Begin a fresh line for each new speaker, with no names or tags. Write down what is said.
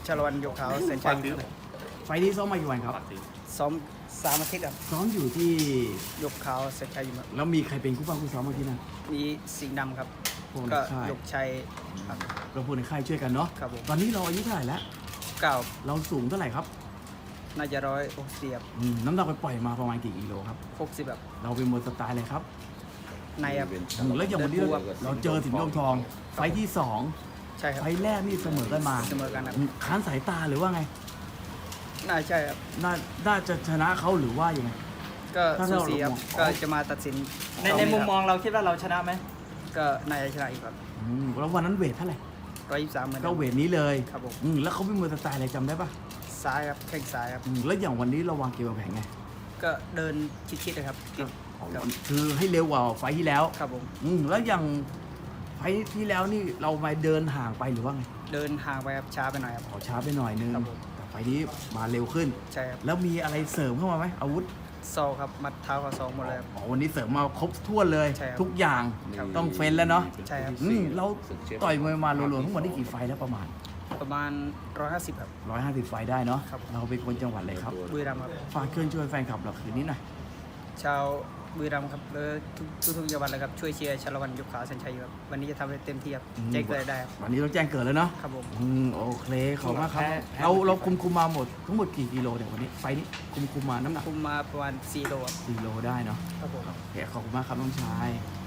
ชาละวันยกขาวเซนชัยครับ
ไฟล์นี้ซ้อมมากี่วันครับ
ซ้อม3 อาทิตย์ครับ
ซ้อมอยู่ที่
ยกขาวเซนชัยอยู่ครับ
แล้วมีใครเป็นคู่ป้าคู่ซ้อมเมื่อกี้นะ
มีสิงห์ดำครับ
พวกใน
ก็
ค่าย
ยกชัยครับ
เราพูดในค่ายช่วยกันเนาะ
ครับผม
ตอนนี้เราอายุเท่าไหร่แล้ว
เก้า
เราสูงเท่าไหร่ครับ
น่าจะ160ครับ
น้ำหนักไปปล่อยมาประมาณกี่กิโลครับ
60แบบ
เราเป็นมวยสไตล์อะไรครับ
ในครับ
แล้วอย่างวันนี้เราเจอสิงห์ดำทอง ไฟล์ที่
ใช่ค
2
รับ
ไฟล์แรกนี่เสมอกันมา
เสมอกันครับ
ค้านสายตาหรือว่าไง
น่าใช่ครับ
น่าจะชนะเขาหรือว่ายังไง
ก็
ถ้า
สู
เรา
สีครับ
มอง
ก็จะมาตัดสิน
ในมุมมองเราคิดว่าเราชนะไหม
ก็น่าจะชนะอีกครับ
แล้ววันนั้นเวทเท่าไหร่
123เหมือน
ก็
เดิม
เวทนี้เลย
ครับผม
แล้วเขาเป็นมวยสไตล์อะไรจำได้ปะ
ซ้ายครับแข้งซ้ายครับ
แล้วอย่างวันนี้เราวางเกมวางแผนไง
ก็เดินชิดๆเลยครับติดครับ
คือให้เร็วกว่าไฟล์ที่แล้ว
ครับผม
แล้วอย่างไฟล์ที่แล้วนี่เรามาเดินห่างไปหรือว่าไง
เดินห่างไปครับช้าไปหน่อยครับ
ขอช้าไปหน่อยนึง
ครับผม
แต่ไฟล์นี้มาเร็วขึ้น
ใช่ครับ
แล้วมีอะไรเสริมเข้ามาไหมอาวุธ
ซอกครับมัดเท้ากับซองหมดเลยครับ
วันนี้เสริมมาครบถ้วนเลย
ใช่ครับ
ทุกอย่าง
ครับ
ต้องเฟ้นแล้วเนาะ
ใช่ครับ
เราต่อยมวยมารวมๆทั้งหมดได้กี่ไฟล์แล้วประมาณ
ประมาณ150ครับ
150 ไฟล์ได้เนาะ
ครับ
เราเป็นคนจังหวัดอะไรครับ
บุรีรัมย์ครับ
ฝากเชิญชวนแฟนคลับเราคืนนี้หน่อย
ชาวบุรีรัมย์ครับและทุกจังหวัดเลยครับช่วยเชียร์ชาละวันยกขาวเซนชัยครับวันนี้จะทำให้เต็มที่ครับแจ้งเกิดได้ครับ
วันนี้ต้องแจ้งเกิดแล้วเนาะ
ครับผม
โอเคขอบคุณมากครับเราคุมมาหมดทั้งหมดกี่กิโลเนี่ยวันนี้ไฟล์นี้คุมมาน้ำหนัก
คุมมาประมาณ4 โลครับ
4 โลได้เนาะ
ครับผม
โอเคขอบคุณมากครับน้องชาย